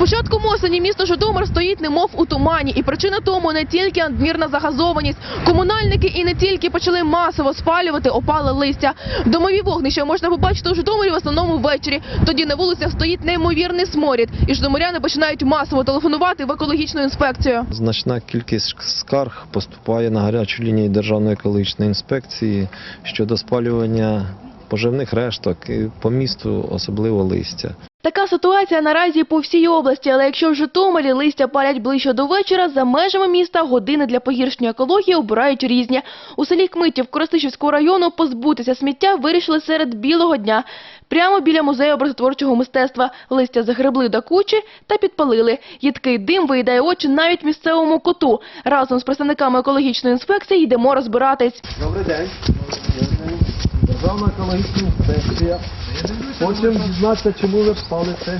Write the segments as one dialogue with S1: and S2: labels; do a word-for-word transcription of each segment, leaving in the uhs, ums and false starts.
S1: початком осені місто Житомир стоїть немов у тумані. І причина тому не тільки надмірна загазованість. Комунальники і не тільки почали масово спалювати опале листя. Домові вогнища можна побачити у Житомирі в основному ввечері. Тоді на вулицях стоїть неймовірний сморід. І житомиряни починають масово телефонувати в екологічну інспекцію.
S2: Значна кількість скарг поступає на гарячу лінію Державної екологічної інспекції щодо спалювання поживних решток і по місту особливо листя.
S1: Така ситуація наразі по всій області, але якщо в Житомирі листя палять ближче до вечора, за межами міста години для погіршення екології обирають різні. У селі Кмитів Коростишівського району позбутися сміття вирішили серед білого дня. Прямо біля музею образотворчого мистецтва листя загребли до кучі та підпалили. Їдкий дим виїдає очі навіть місцевому коту. Разом з представниками екологічної інспекції йдемо розбиратись.
S2: Добрий день. Державна екологічна інспекція. Хочемо дізнатися, чому ви палите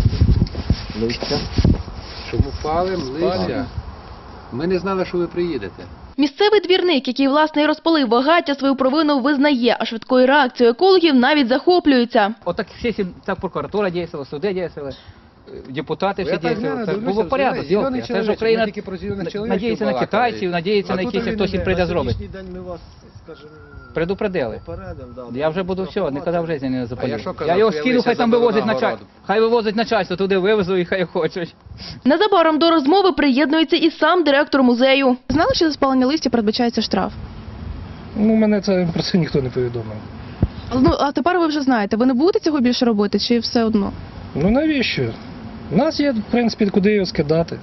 S2: листя.
S3: Чому палим листя? Ми не знали, що ви приїдете.
S1: Місцевий двірник, який власне і розпалив багаття, свою провину визнає, а швидкою реакцією екологів навіть захоплюється.
S4: Отак всі, так прокуратура діяла, суди діяли, депутати всі
S3: Я так
S4: діяли.
S3: знаю,
S4: Це
S3: дивлюся,
S4: було порядок.
S3: зелений
S4: Це ж
S3: чоловічок,
S4: Україна
S3: ми тільки про зелених чоловічків
S4: надіється на
S3: балакали.
S4: китайців, надіється
S3: А
S4: на
S3: тут
S4: якийсь,
S3: він
S4: хтось їм
S3: не-
S4: прийде
S2: На
S4: зробить.
S2: сьогоднішній день ми вас, скажімо,
S4: Предупредили.
S2: попередимо. Да,
S4: Я вже буду все, ніколи в житті не
S3: А я
S4: запалю.
S3: що казав,
S4: Я його
S3: що я
S4: скину,
S3: листя
S4: хай там
S3: заберу
S4: вивозить
S3: на
S4: начальство.
S3: городу?
S4: Хай вивозить начальство, туди вивезу і хай хочуть.
S1: Незабаром до розмови приєднується і сам директор музею. Знали, що за спалення листя передбачається штраф?
S5: Ну, мене це про це ніхто не повідомив.
S1: Ну, а тепер ви вже знаєте, ви не будете цього більше робити чи все одно?
S5: Ну навіщо? У нас є, в принципі, куди його скидати.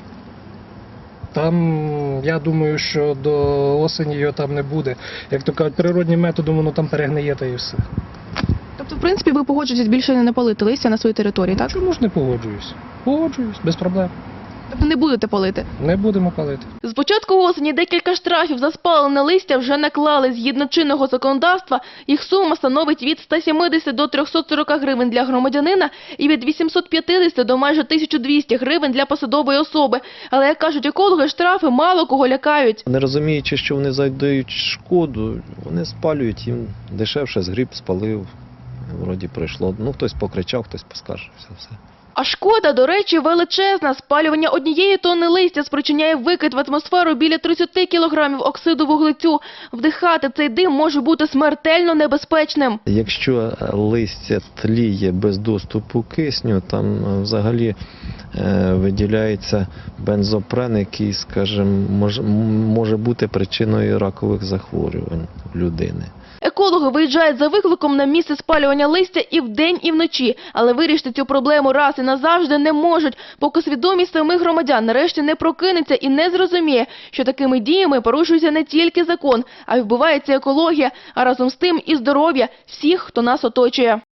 S5: Там, я думаю, що до осені його там не буде. Як то кажуть, природнім методом воно там перегниє та і все.
S1: Тобто, в принципі, ви погоджуєтесь більше не палити листя на своїй території, так?
S5: Чому ж не погоджуюсь? Погоджуюсь, без проблем.
S1: Тобто не будете палити?
S5: Не будемо палити.
S1: З початку осені декілька штрафів за спалене листя вже наклали. Згідно чинного законодавства, їх сума становить від ста сімдесяти до трьохсот сорока гривень для громадянина і від вісімсот п'ятдесяти до майже тисячі двохсот гривень для посадової особи. Але, як кажуть екологи, штрафи мало кого лякають.
S2: Не розуміючи, що вони завдають шкоду, вони спалюють, їм дешевше згріб, спалив, вроді пройшло. Ну, хтось покричав, хтось поскаржився, все.
S1: А шкода, до речі, величезна. Спалювання однієї тонни листя спричиняє викид в атмосферу біля тридцяти кілограмів оксиду вуглецю. Вдихати цей дим може бути смертельно небезпечним.
S2: Якщо листя тліє без доступу кисню, там взагалі е, виділяється бензопрен, який, скажімо, може, може бути причиною ракових захворювань в людини.
S1: Екологи виїжджають за викликом на місце спалювання листя і вдень, і вночі. Але вирішити цю проблему раз і назавжди не можуть, поки свідомість самих громадян нарешті не прокинеться і не зрозуміє, що такими діями порушується не тільки закон, а й вбивається екологія, а разом з тим і здоров'я всіх, хто нас оточує.